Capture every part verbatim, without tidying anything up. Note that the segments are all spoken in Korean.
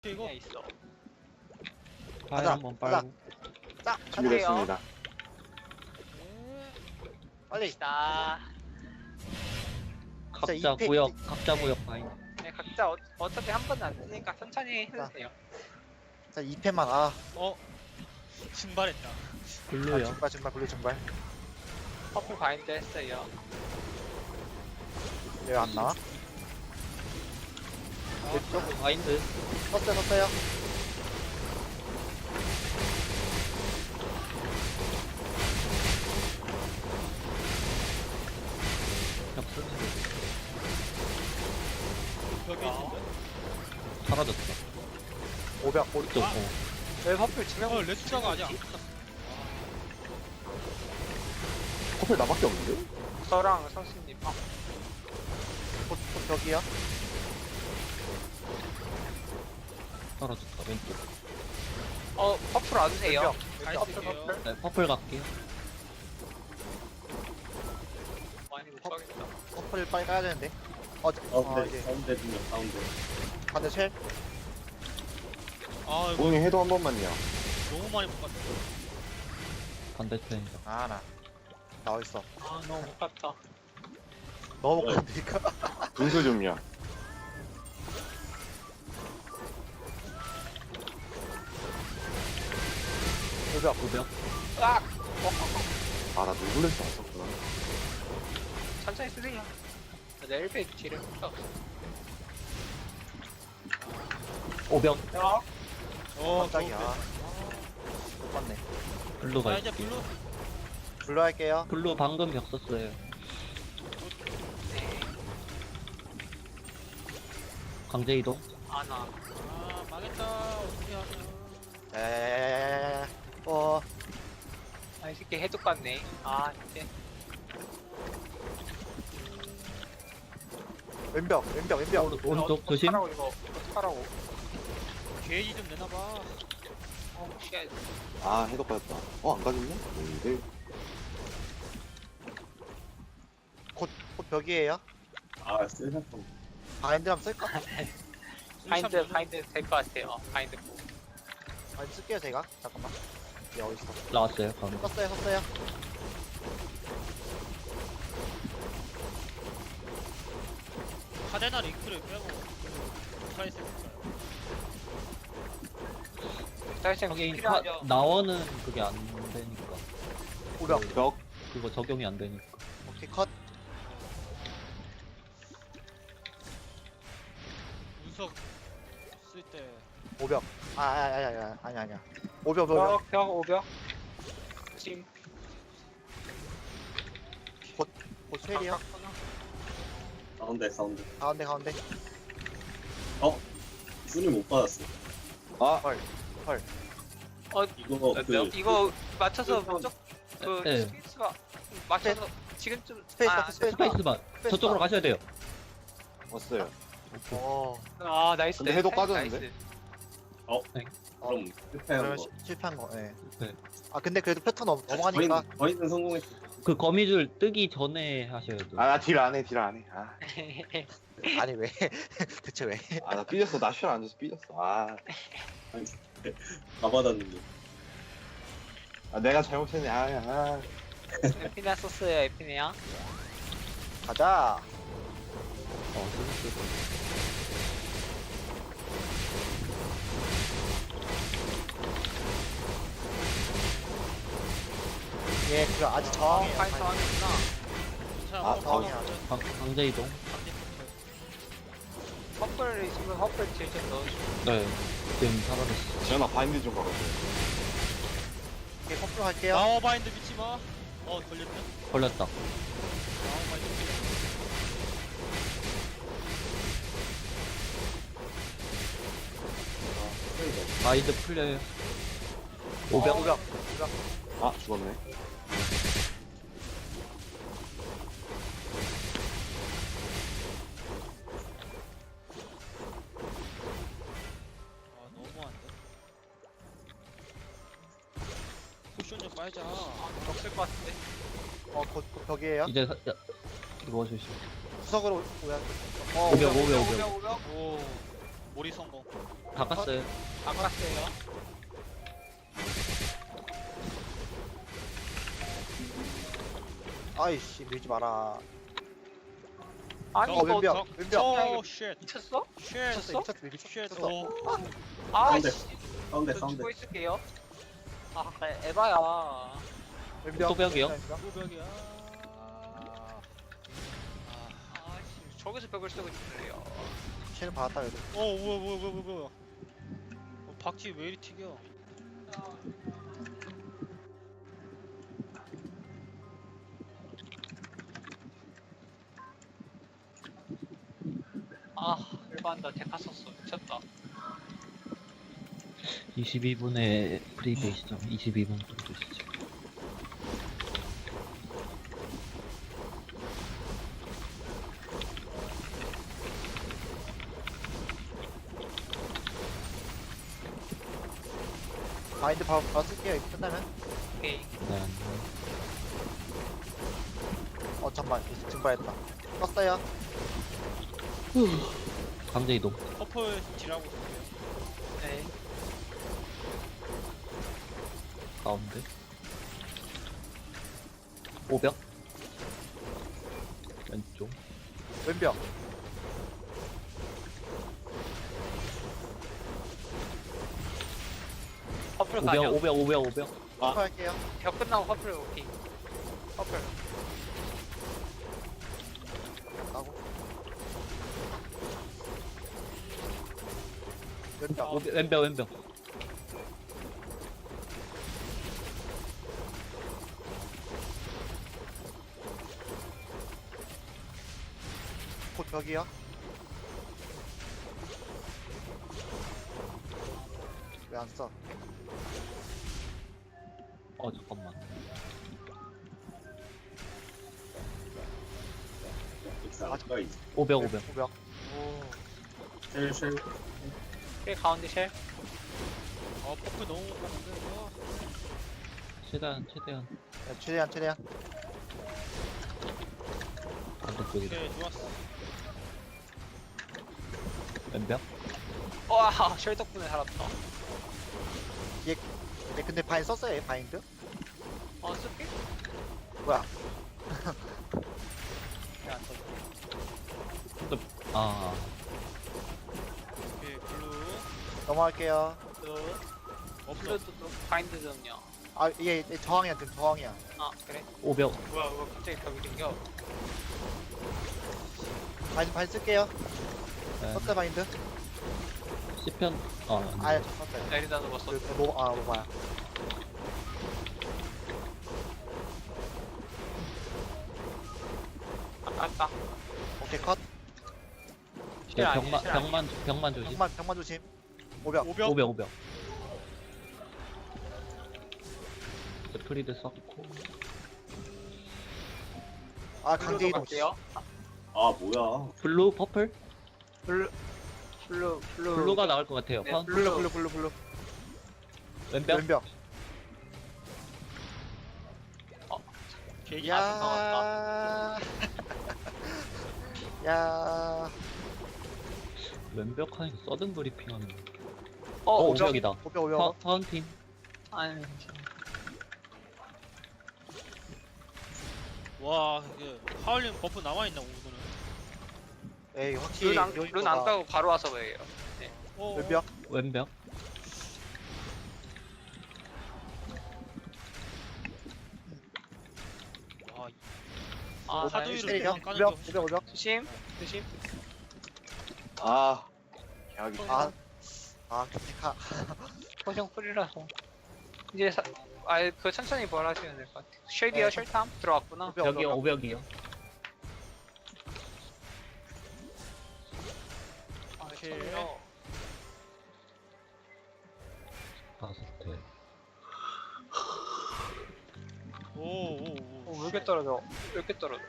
어떻게 이거? 있어. 파일 가자, 한번 가자. 빨고. 자, 준비됐습니다. 네. 빨리. 자, 각자 이 팩- 구역, 각자 구역 파인. 네, 각자 어, 어차피 한 번은 안 쓰니까 천천히 해주세요. 자, 이 펜만. 아, 어. 증발했다. 아 블루요. 증발, 증발, 블루 증발. 퍼플 바인드 했어요. 왜 안 나와? 아, 왼쪽? 마인드. 썼어요, 썼어요. 격수. 벽에 있는데? 사라졌다. 오백, 오, 또, 아. 어. 왜 퍼플 두 명? 어, 레투자가 아니야. 커플 나밖에 없는데? 저랑 선수님. 어, 곧, 곧 벽이요. 사라졌다. 왼쪽. 어 퍼플 와주세요. 왼벽, 잘 왼벽. 쓸게요. 네, 퍼플 갈게요. 많이 못 가겠다. 커플 빨리 까야 되는데. 어, 저- 어, 가운데, 이제. 가운데 분명 가운데. 반대 쉘. 아, 이거 고객님 해도 한 번만요. 너무 많이 못 갔다. 반대편이다. 아, 나. 나와 있어. 아 너무 못 갔다. 너무 못 네. 간다니까. 분수 좀요. 오백. 구벽. 으악! 아, 나 누굴레스 왔었구나. 천천히 쓰세요. 넬베 딜을 없어. 오벽. 어? 어, 깜짝이야. 좋은데. 못 봤네. 블루가 자, 있 이제 블루. 블루 할게요. 블루 방금 벽 썼어요. 네. 강제 이동. 아나. 아, 망했다. 어떻게 하냐. 에, 어, 아, 이 새끼 해독 같네. 아, 이제. 왼벽, 왼벽, 왼벽. 오른- 오른쪽 조심. 어떡하라고, 이거. 어떡하라고. 게이지 좀 내놔봐. 어, 쉣. 아, 해도 빠졌다. 어, 안 가졌네? 근데 곧, 곧 벽이에요. 아, 세상통. 바인드 한번 쓸까? 바인드, 바인드 될 것 같아요. 어, 바인드. 뭐. 바인드 쓸게요, 제가. 잠깐만. 얘 어딨어? 나왔어요. 방금. 썼어요, 썼어요. 카데나 링크를 빼고 못하겠을 거예요. 사실상 하긴 필요하죠. 카- 나원은 그게 안 되니까. 오백. 벽. 그거 적용이 안 되니까. 오케이, 컷. 운석 쓸 때. 오백. 아, 아, 아, 아, 아, 아니, 아니야. 오백, 오백. 벽, 벽, 오벽. 지금. 곧 쉘이요. 가운데, 가운데. 가운데, 가운데. 순위 못 받았어. 아, 어, 이거 그 이거 맞춰서 그- 무조 그 네. 스페이스가 맞춰서 지금쯤 스페이스, 아, 스페이스. 스페이스바. 저쪽으로 가셔야 돼요. 왔어요. 어, 아 나이스. 근데 해독 나이스, 빠졌는데? 나이스. 그럼 실패한 그러면 거. 시- 실패한 거, 예. 네. 아, 근데 그래도 패턴 넘, 넘어가니까. 저희는, 저희는 성공했어. 그 거미줄 뜨기 전에 하셔야 돼요. 아, 나 딜 안 해, 딜 안 해. 아, 아니, 왜. 대체 왜. 아, 나 삐졌어. 나 쉘 앉아서 삐졌어. 아, 다 받았는데. 아 내가 잘못했네. 아, 아. 에피나 썼어요 에피네야. 가자. 어, 스페이스. 예, 그럼 아직 어, 저항이에요. 파이터 하는구나. 자, 아, 뭐, 저항이야. 뭐, 강, 강제 이동. 퍼플 있으면 퍼플 딜좀 넣어주고. 네. 지금 사라졌어. 지현아, 바인드 좀 가봐줘. 예, 커플 할게요. 나워 바인드 믿지 마. 어, 걸렸네. 걸렸다. 나워 바인드 믿지 마인드 풀려요. 오백. 오백. 오백. 아, 죽었네. 마. 아, 너무한데. 쿠션 좀 빨자. 없을 것 같은데. 어, 곧, 곧 벽이에요. 이제 사- 야, 이거 주시. 구석으로 오야. 어, 오백, 오백. 오백, 오백. 오벽 오벽. 오. 몰이 성공. 바꿨어요. 바꿨어요. 아이씨 밀지 마라. 아니 어 이거 왼벽 저- 왼벽. 오 쉣. 미쳤어? 쉣. 미쳤어? 미쳤어 미쳤어. 쉣. 미쳤어. 오. 가운데, 아이씨. 가운데, 저 가운데. 죽고 있을게요. 아 에바야. 왼벽. 소벽이요? 왼벽. 후벽이야. 아, 아씨 저기서 벽을 쓰고 싶네요. 쟤는 받았다 그래도. 어 뭐야 뭐야 뭐야 뭐야. 어, 박쥐 왜 이리 튀겨? 아 일반다 데카 썼어. 미쳤다. 이십이 분에 프리베이 시점 이십이 분 정도 시죠. 마인드 바로 바로 쓸게요. 이거 끝나면. 오케이. 네. 어 잠만 증발했다. 떴어요. 강제 이동. 퍼플 딜하고 있어요. 네. 가운데. 오벽. 왼쪽. 왼벽. 퍼플 오벽, 가죠. 오벽, 오벽, 오벽. 아. 할게요. 벽 끝나고 퍼플 오케이. 퍼플. 가고. 왼벽. 오벽, 왼벽, 왼벽. 곧 벽이요. 왜 안 써? 어, 잠깐만. 엑스가 있어. 오벽, 오벽. 오벽. 쉘, 쉘. 오케이 가운데 쉘. 어 퍼플 너무 못 가는데 이거. 최대한, 최대한. 네, 최대한 최대한. 반대쪽이다. 오케이 좋았어. 왼벽. 와, 쉘 덕분에 살았다. 네, 근데 바인 썼어요 얘 바인드? 어, 쓸게? 뭐야? 왜안 써? 아, 오케이 블루. 넘어갈게요. 그, 없어. 플루도 또 바인드 좀요. 아 이게 이게 저항이야 지금 저항이야. 아, 그래? 오벽. 뭐야, 왜 갑자기 벽이 생겨? 바인 바인 쓸게요. 네. 썼어요 바인드? 시편. 아, 아예 아니. 썼어요. 내리다 누웠어. 그, 그 뭐, 아 뭐야? 아깝다. 오케이 컷. 네, 아니에요, 벽만, 실 아니에요. 벽만, 벽만 조심. 병만 병만 조심. 오벽. 오벽. 오벽, 오벽. 프리드 썼고. 아 강제 이동. 갈게요. 아, 뭐야. 블루, 퍼플? 블루, 블루, 블루. 블루가 나올 것 같아요. 네, 파운틴. 블루 블루 블루 블루. 왼벽. 왼벽. 계기. 야. 야. 왼벽 하니까 서든 브리핑 하는 거. 어, 어, 오죠? 오벽이다. 오벽 파, 오벽. 파운틴. 아니, 와 이게 하울림 버프 남아 있나 오늘은. 에이 확실히 룬 안, 요인 룬 안 거가 까고 바로 와서 왜요? 어. 왼벽. 왼벽. 와 아, 하도 다행이다. 이렇게 때리죠. 안 까는 오벽 거. 오벽 오벽. 조심, 조심. 아. 계약이. 아. 아 기카. 포션 풀이라서. 이제 사, 아, 그 천천히 뭘 하시면 될 것 같아요. 쉘이요, 네. 쉘탐 들어왔구나. 오벽 벽이요, 오벽. 오벽이요. 아, 오케이. 천이요. 다섯 대. 오오오. 어, 왜 이렇게 떨어져? 왜 이렇게 떨어져?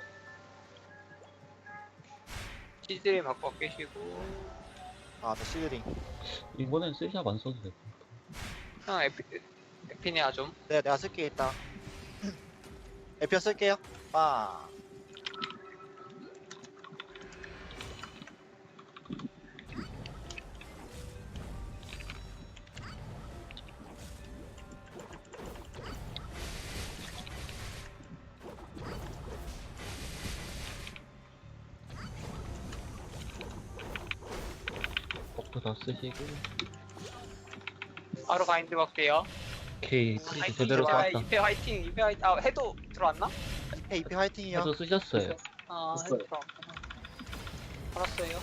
시들이 바꿔 깨시고. 아저 시드링. 이번엔 쓰샵 안 써도 돼. 형, 에피, 에피니아 좀. 네 내가 쓸게 있다. 에피어 쓸게요. 빠. 버프 다 쓰시고. 바로 바인드 걸게요. 오케이, 프리드 화이팅, 제대로 진짜 쐈다. 이패 화이팅, 이패 화이팅. 아, 해도 들어왔나? 이패 이패 화이팅이요. 해도 쓰셨어요. 아, 됐어요. 해도 들어왔구나. 알았어요.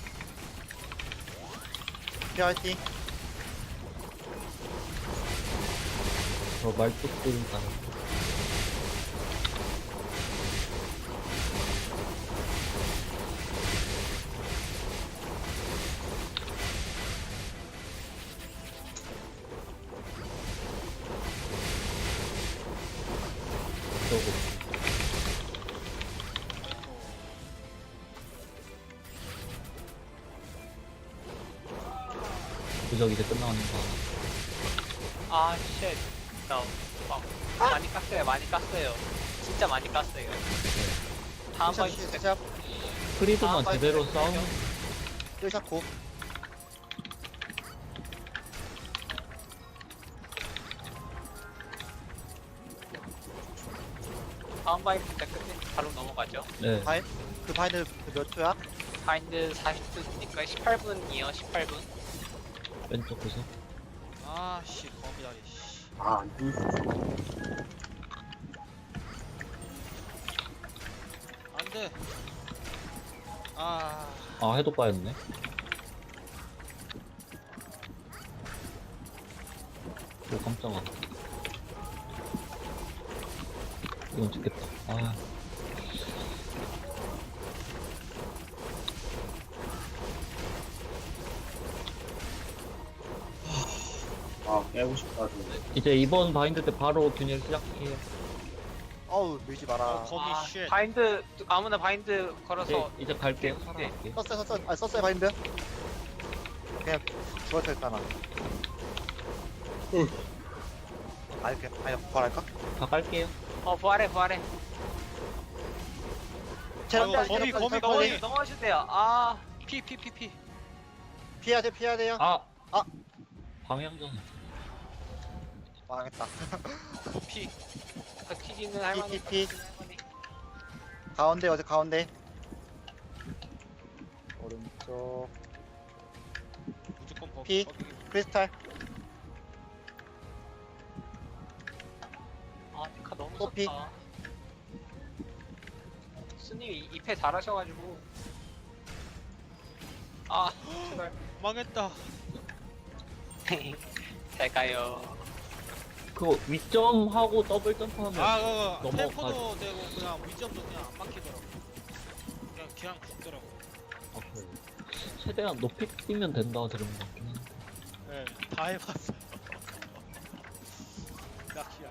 이패 화이팅. 저 말뚝들 다. 저거. 부적 이제 끝나는 거. 아, 쉣. 나, 막, 많이 깠어요, 많이 깠어요. 진짜 많이 깠어요. 다음 샷 바인드 때 샷. 프리드만 아, 제대로 맞아요. 싸우면 샷 고. 다음 바인드 때 끝내 바로 넘어가죠. 네. 바인 그 바인드 몇 초야? 바인드 사십 분이니까 십팔 분이요, 십팔 분. 왼쪽 구석. 아씨 거미다리. 씨. 아, 안 돼. 안돼. 아 아, 해도 빠였네. 오, 깜짝아. 이건 죽겠다. 아, 아, 깨고 싶다. 좀. 이제 이번 바인드 때 바로 균열 시작해요. 어우 밀지 마라. 어, 거미 아, 쉣. 바인드, 아무나 바인드 이제, 걸어서. 이제 갈게요. 네. 살아갈게요. 썼어요 썼어요. 아 썼어요 바인드. 그냥 죽었다 했잖아. 응. 아 이렇게 아니 부활할까? 다 깔게요. 어, 부활해, 부활해. 체력 아이고, 관리, 거미, 체력 거미, 관리, 거미. 체력 관리. 넘어가셔도 돼요. 아, 피 피 피 피. 피해야 돼 피해야 돼요. 아! 아. 방향전. 망했다. 피. 버티기는 할만해. 피, 피, 피. 버티기는 할만해. 가운데 어디 가운데. 오른쪽 무조건 버. 피. 거미. 크리스탈. 아, 피카 너무 호피. 좋다. 스님이 이 패 잘하셔가지고. 아, 제발. 망했다. 잘 가요. 그거 위점하고 더블 점프하면 아 그거 넘어가지. 템포도 되고 그냥 위점도 그냥 안 막히더라고. 그냥 그냥 죽더라고. 아, 그래. 최대한 높이 뛰면 된다 들은 것 같긴 해. 네, 다 해봤어. 낚시야.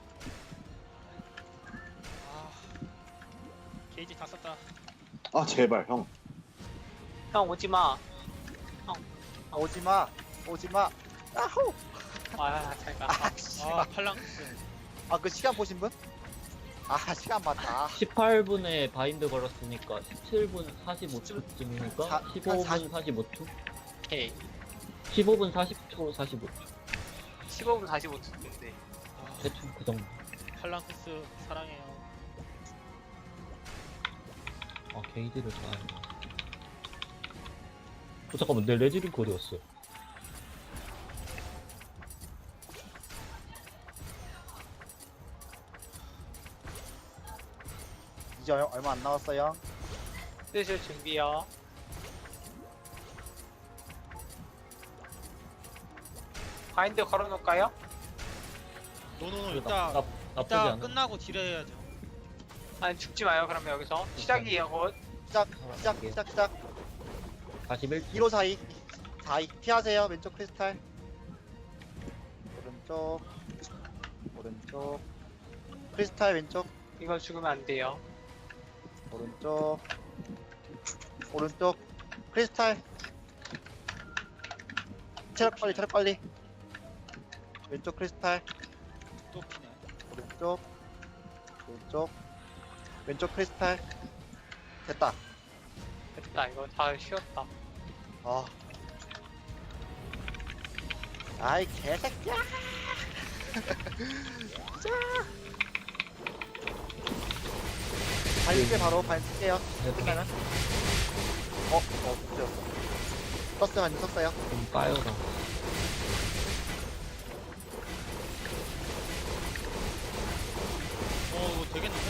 아, 게이지 다 썼다. 아, 제발, 형. 형, 오지 마. 아, 오지마 오지마. 아호. 아, 잘 가. 아 씨발. 아, 팔랑스. 아그 시간 보신 분? 아 시간 맞다. 십팔 분에 바인드 걸었으니까 십칠 분 사십오 초쯤이니까 사- 십오 한 분 사십- 사십오 초? 오케이. 십오 분 사십 초, 사십오 초. 십오 분 다시 못 듣는데. 아, 대충 그 정도. 팔랑스 사랑해요. 아, 게이지를 잘. 어, 잠깐만, 내 레지링크 어디 갔어? 이제 얼- 얼마 안 남았어요. 쓰실 준비요. 바인드 걸어놓을까요? 노노노 나, 이따 나, 나쁘지 이따 않아. 끝나고 딜해야죠. 아니, 죽지 마요, 그러면 여기서. 시작이에요, 곧. 시작 시작 시작 시작. 사십일 초. 일호 사이 사이 피하세요. 왼쪽 크리스탈. 오른쪽 오른쪽 크리스탈 왼쪽 이거 죽으면 안 돼요. 오른쪽 오른쪽 크리스탈. 체력 관리 체력 관리. 왼쪽 크리스탈 또 피네. 오른쪽 오른쪽 왼쪽 크리스탈. 됐다. 됐다, 이거 다 쉬었다. 아 아이 개새끼야. 발릴게 바로 발릴게요. 끝나면 어? 어? 그죠. 썼어요, 아니 썼어요. 좀 까여라. 어 이거 되겠는데?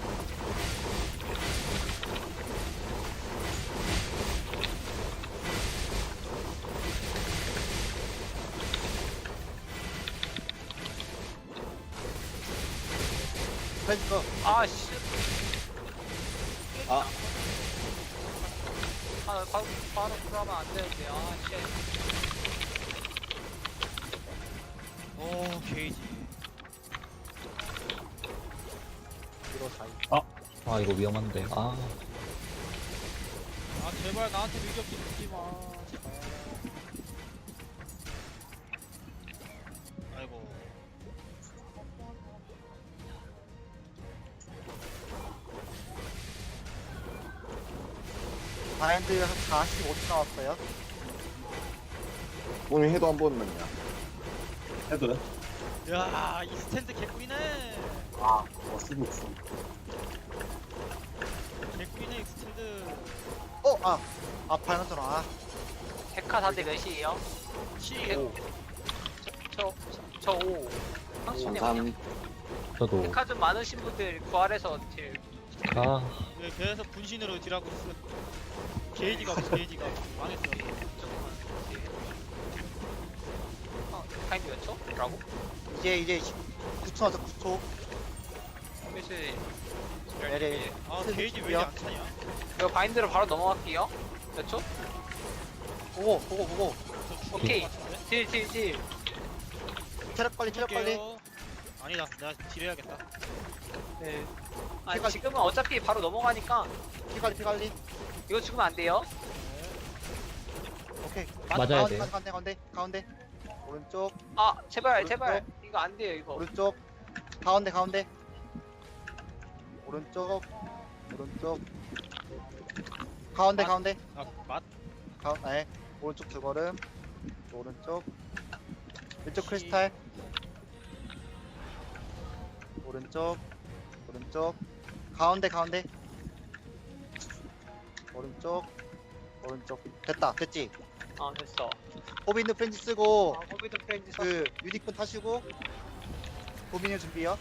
프렌즈 거. 아씨. 아. 아 바로 바로 그러면 안 되는데. 아 쉣. 오 게이지. 뒤로 사이. 아, 이거 위험한데. 아, 아 제발 나한테 위협 좀 주지 마. 제발. 아이고. 바인드 한 사십오 초 나왔어요. 몸이 해도 한 번만요. 해도요? 야, 이 스탠드 개꿀이네. 아, 어, 쓰고 있어. 개꿀이네 이 스탠드. 어, 아, 아, 바인드잖아. 아, 데카 다들 몇이에요? 치. 오. 저저 오. 황신님 감사합니다. 저도. 데카 좀 많으신 분들 부활해서 딜. 아, 왜 계속 분신으로 딜하고 있어. 게이지가 없어 게이지가. 망했어. 조금만. 딜. 어, 타임 몇 초? 라고? 이제 이제 구 초 나왔어, 구 초. 그래서 네네. 아 게이지 왜 이렇게 안 차냐? 이거 바인드로 바로 넘어갈게요. 몇 초? 보고, 보고, 보고. 저 죽을 오케이. 것 같은데? 딜, 딜, 딜. 체력 관리, 체력 관리. 죽을게요. 아니다, 내가 딜해야겠다. 네. 아니, 제가- 지금은 어차피 바로 넘어가니까 피 관리, 피 관리. 이거 죽으면 안 돼요. 오케이. 맞아야 가운데, 돼요. 가운데, 가운데, 가운데. 오른쪽, 아, 제발, 오른쪽. 제발. 이거 안 돼요, 이거. 오른쪽. 가운데, 가운데. 오른쪽, 오른쪽. 가운데, 맞- 가운데. 아, 맛? 가운, 네. 오른쪽 두 걸음. 오른쪽. 왼쪽 크리스탈. 오른쪽. 오른쪽. 가운데, 가운데. 오른쪽. 오른쪽. 됐다. 됐지? 아, 됐어. 호빈드 프렌즈 쓰고 아, 호비드 프렌즈 서 그 유니콘 타시고 호빈이 준비요.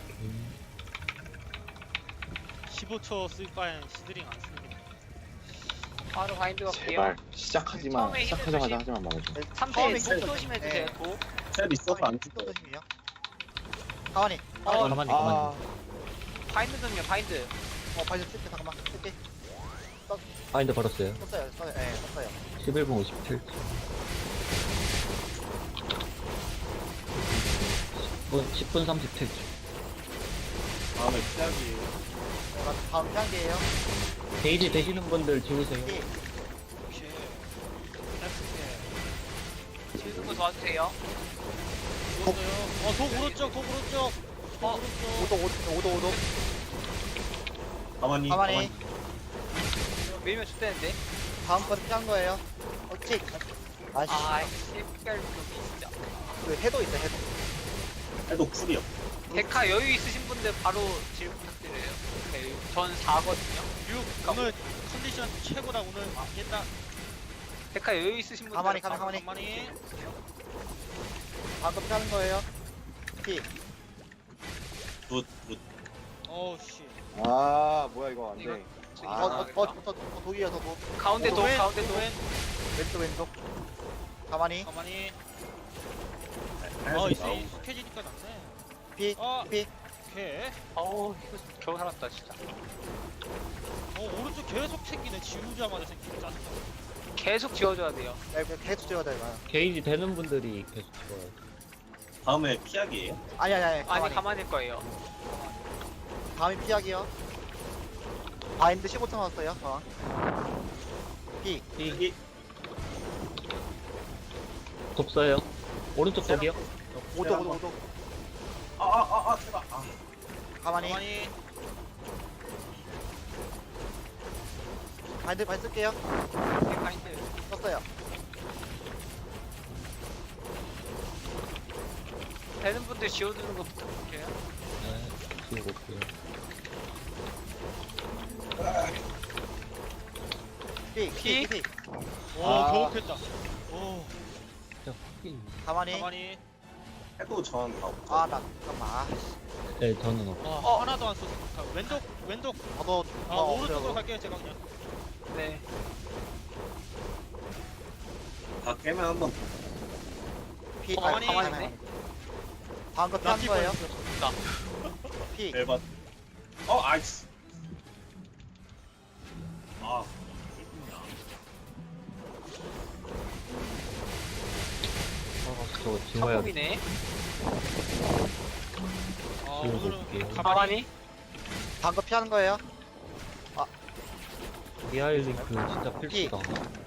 십오 초 쓸 바엔 시드링 안 쓰는 게. 바로 바인드 갈게요. 제발 시작하지 마. 처음에 시작하자마자 힘을 하지만 말아줘. 네, 삼 처음에 대 힘 도 조심해주세요, 네. 도. 셀 있어서 안 또 죽어. 조심이요. 가만히. 어, 가만히. 가만히, 아, 가만히. 바인드 좀요, 바인드. 어, 발좀 쓸게. 잠깐만. 쓸게. 바인드 걸었어요. 썼어요. 썼어요. 예, 네, 썼어요. 십일 분 오십칠 초. 십 분 삼십칠 초. 다음에 시작이. 자, 다음 단계예요. 게이지 되시는 분들 지우세요. 예. 오케이. 헬스케. 지금 거 도와주세요. 죽었어요. 어, 독 오른쪽, 독 오른쪽. 독 어, 오른쪽. 오도, 오도, 오도, 오도. 가만히. 가만히. 밀면 죽대는데. 다음 건 피한 거예요. 어찌. 아씨. 아, 씨발, 놈이 진짜. 그 해도 있어, 해도. 해도 쿨이요. 데카 여유 있으신 분들 바로 질 부탁드려요. 데카 여유. 전 사거든요. 육 오늘 컨디션 최고다 오늘 깼다. 데카 여유 있으신 분들 가만히, 바로- 가만히. 가만히. 다음 건 피하는 거예요. 피. 굿, 굿. 어우 씨. 아 뭐야 이거 안 이거 돼. 지금 어, 아, 어, 어, 어, 어, 어, 독이어서 독. 가운데 도, 왼, 가운데 도. 왼. 왼쪽, 왼쪽. 가만히. 가만히. 할수 어 있어. 이제 익숙해지니까 낫네. 피, 어. 피. 오케이. 어우, 이거 겨우 살았다, 진짜. 어 오른쪽 계속 챙기네. 지우자마자 생기네. 짜증나. 계속 지워줘야 돼요. 야, 이거 계속 찍어야 돼, 이거. 게이지 되는 분들이 계속 지워요. 다음에 피하기예요? 아니, 아니, 아니. 아니, 가만히. 가만일 거예요. 다음이 피하기요. 바인드 십오 초 나왔어요. 저항. 피. 이 독서요. 오른쪽 독이요. 오도, 오도, 오도. 아, 아, 아, 아, 제발. 아. 가만히. 가만히. 바인드 발 쓸게요. 바인드. 썼어요. 되는 분들 지워주는 거 부탁드려요. 네, 지우고 올게요. 피, 피, 피. 오 아. 경험했다. 오 저 힐. 가만히. 가만히. 해도 저는 다 없죠. 아, 나 잠깐만. 아, 씨. 네, 저는 없. 와 어. 하나도 안 썼어. 가- 왼쪽 왼쪽. 저도 아 어, 오른쪽으로 어려워. 갈게요 제가 그냥. 네. 다 깨면 한번 피, 어, 아, 가만히 가만히. 있네. 가만히. 다음 거 피한 나피 거예요? 보여주세요. 피. 대박. 어, 아이스. 아, 그렇군요. 어, 저 지워야 돼. 합법이네. 아 지우고 오늘은 올게요. 가만히. 가만히. 다음 거 피하는 거예요? 리알 링크 진짜 필수다.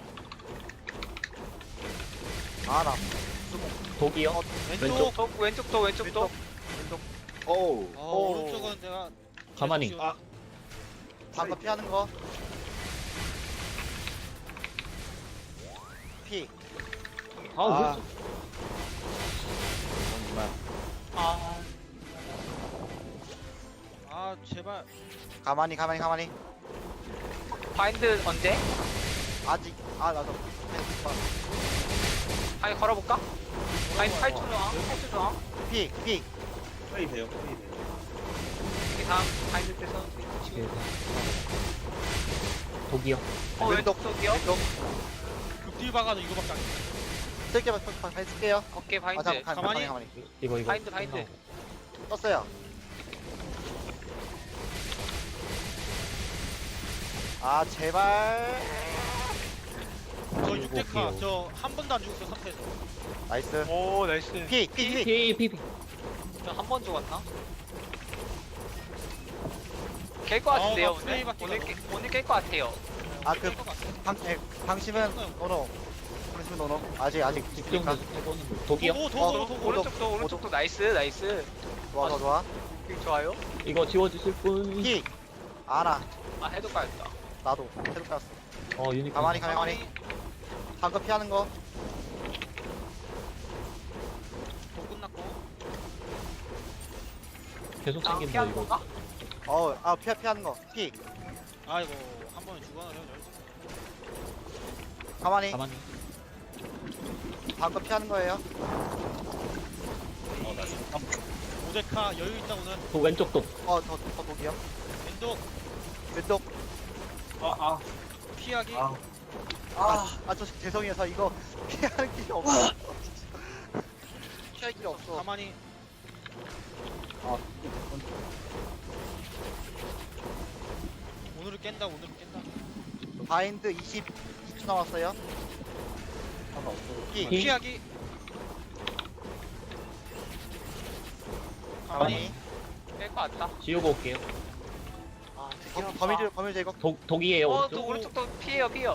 아, 나. 독이요? 어, 왼쪽. 왼쪽. 또 왼쪽 또 왼쪽 또. 왼쪽. 오우. 어 오. 오른쪽은 내가. 가만히. 계속 아. 다음 거 피하는 거. 피. 아, 아. 왼쪽. 정말. 아. 아 제발. 가만히, 가만히, 가만히. 바인드 언제? 아직. 아, 나도. 아니 걸어볼까? 바인드 팔 초 저항. 팔 초 저항. 피, 피. 플레이 돼요, 플레이 돼요. 이 다음 바인드 때서. 네, 독이요? 어 왼쪽. 왼쪽 쪽이요. 왼쪽. 극딜 박아도 이거밖에 안 돼. 쓸게요, 발 쓸게요. 어깨 아, 바인드. 잠깐, 가만히, 가만히. 가만히. 이거, 이거. 바인드, 바인드. 끝나고. 떴어요. 아, 제발. 저 일곱 육 대 카. 개요. 저 한 번도 안 죽었어 삼 패에서. 나이스. 오 나이스. 피, 피, 피. 피, 피, 피. 저한 번 죽었나? 깰 것 같은데요 어, 막 오늘? 플레이 바뀌다, 오늘 너. 깨, 오늘 깰 것 같아요. 아, 그, 깰것 같아. 방, 예, 방심은 노노. 방심은 노노. 아직, 아직 있으니까. 집중해서 해보는 거. 독이요? 도구 어, 도구 도구. 오른- 오른쪽도 오른쪽도 나이스 나이스. 좋아, 좋아, 좋아. 되게 좋아요. 이거 지워주실 분? 피. 아나. 아 해도 까였다. 나도. 해도 깠어. 어, 유니콘. 가만히, 가만히, 가만히. 다음 거 피하는 거. 도 끝났고. 계속 아 생긴다, 피하는 이거. 건가? 어, 아, 피하, 피하는 거. 피. 아이고 한 번에 죽어나려. 가만히. 가만히. 다음 거 피하는 거예요. 어, 나 잠깐만. 오 대 카 여유 있다 오늘. 독, 왼쪽 독. 어, 더, 더 독이요. 왼쪽 왼쪽. 아, 아, 피하기. 아. 아, 아, 저 죄송해요. 저 이거 피하는 길이 없어. 피할 길이 없어. 가만히. 아, 오늘을 깬다 오늘을 깬다. 바인드 이십, 이십 초 남았어요. 피. 피. 피하기. 가만히. 가만히. 깰 것 같다. 지우고 올게요. 아 범- 범위를, 범위 제거. 독, 독이에요, 오른쪽. 어또 오른쪽도 피해요 피해요.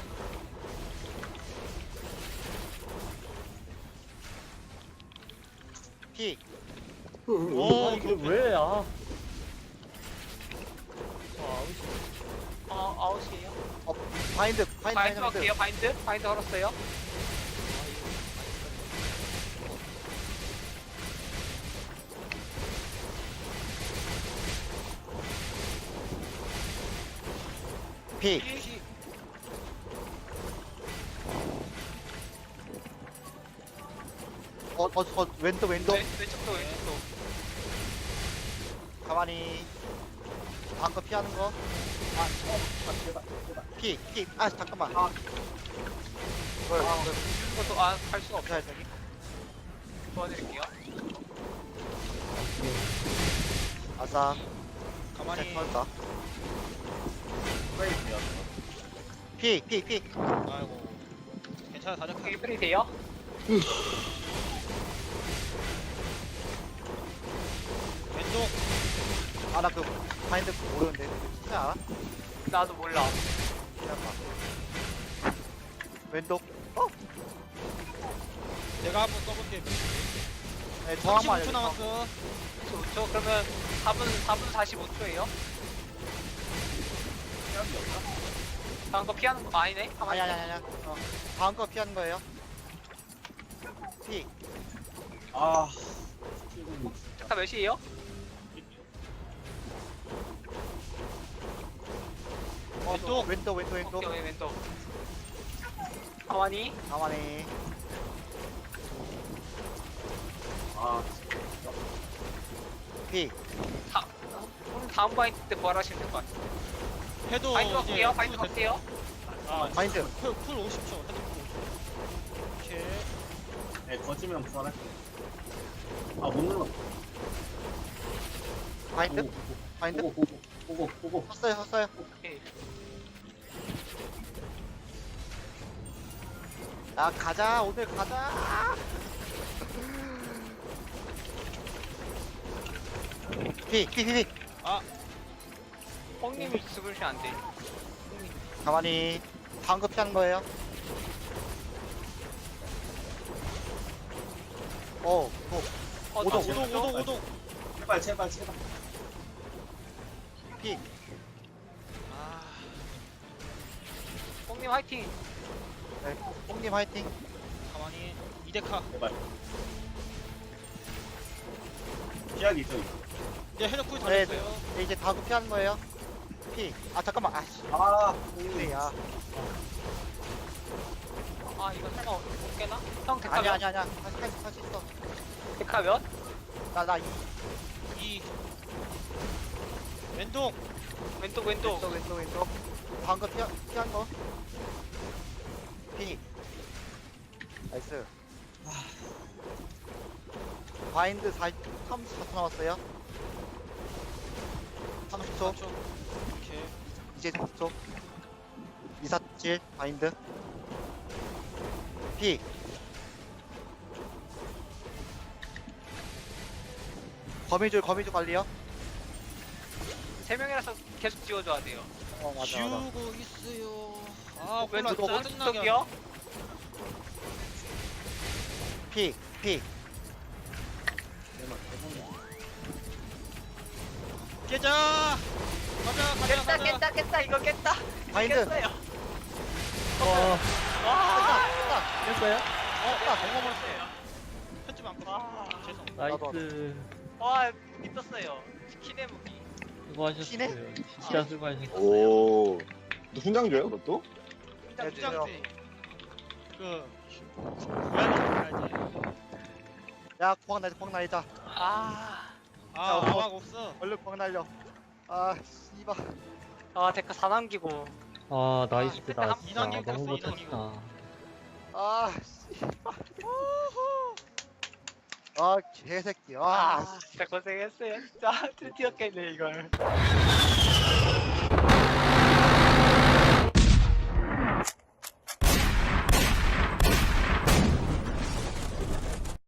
피. 오 이게 왜, 아. 어 아웃이에요. 어, 바인드, 바인드, 바인드 바인드. 할게요 바인드. 바인드 걸었어요. 피. 피. 어, 어, 어, 왼쪽, 왼쪽. 왼, 왼쪽도 왼쪽도. 가만히. 다음 거 피하는 거. 아, 어, 피, 피. 아, 잠깐만. 아. 이걸, 이걸 이것도 아할 수가 없어. 피해야 되니? 도와드릴게요. 아싸. 가만히. 잘 터졌다. 플레이 돼요. 피, 피, 피. 아이고. 괜찮아 다작하 이게 프리 돼요? 왼쪽. 아, 나 그 바인드 모르는데. 진짜 알아? 나도 몰라. 기다려봐. 왼쪽. 어? 내가 한번 써볼게. 네, 저항만 삼십오 초 알려줘. 남았어. 오 초 그러면 사 분 사 분 사십오 초예요? 다음 거 피하는 거 아니네? 아니, 아니, 아니, 아니. 어. 다음 거 피하는 거예요. 피. 아, 잠깐 몇 시에요? 어, 왼쪽. 왼쪽, 왼쪽, 왼쪽. 오케이 왼쪽. 가만히. 가만히. 아, 피. 다, 오늘 다음 바인드 때 부활하시면 될 것 같아요. 해도 바인드 이제 갈게요. 바인드 풀 갈게요. 아, 바인드. 풀, 풀 오십 초. 헤드 풀 오십 초. 오케이. 네, 거지면 부활할게. 아, 못 눌렀어. 바인드? 바인드? 보고, 보고, 보고, 보고. 섰어요, 섰어요. 오케이. 야, 가자. 오늘 가자. 피, 피, 피, 피. 아, 뽕님이 죽으시면 안 돼. 가만히. 다음 거 피하는 거예요. 어, 어. 어, 오동, 나 오동, 죽었어? 오동, 오동. 제발, 제발, 제발. 피. 아, 뽕님 화이팅. 네, 뽕님 화이팅. 가만히. 이데카. 제발. 피하기 있죠, 이거. 이제 헤드 풀 네, 달렸어요. 네, 이제 다음 거 피하는 거예요. 피. 아, 잠깐만. 아씨. 아, 네, 야. 아, 이거 설마 못 깨나? 형, 데카 아니야, 몇? 아니야, 아니야. 다시, 다시, 다시 있어. 데카 몇? 나, 나, 이. 이. 왼동. 왼쪽, 왼쪽. 왼쪽, 왼쪽, 왼쪽. 다음 거 피하, 피한 거. 피. 나이스. 바인드 사, 삼십사 초 남았어요. 삼십 초. 초. 오케이. 이제 삼십 초. 이사칠 바인드. 피. 거미줄, 거미줄 관리요. 세 명이라서 계속 지워줘야 돼요. 어, 맞아, 맞아. 지우고 있어요. 아, 몰라. 왼쪽, 짜증나게. 오른쪽이요? 피, 피. 깨자. 가자, 가자, 깼다, 가자. 깼다, 깼다. 이거 깼다. 바인드. 깼어요. 와, 와. 깼다, 됐어요? 어, 나 먹어버렸어요. 편집 안 와. 껐어. 죄송. 나이스. 와, 무기 떴어요. 키네 무기. 수고하셨어요. 키네? 진짜 수고하셨어요. 오. 너 훈장 줘요, 그것도? 네, 부장지. 그 고양이 알지? 야, 구황 날자, 구황 날자. 아. 아, 야, 어. 아마가 없어. 얼른 구황 날려. 아, 씨발. 아, 데카 다 남기고. 아, 나이스다. 한- 진짜 이단계 너무 갔어, 이단계. 멋졌다. 아, 씨발. 아, 개새끼. 아, 아, 진짜 고생했어요. 진짜 드디어 깼네, 이걸.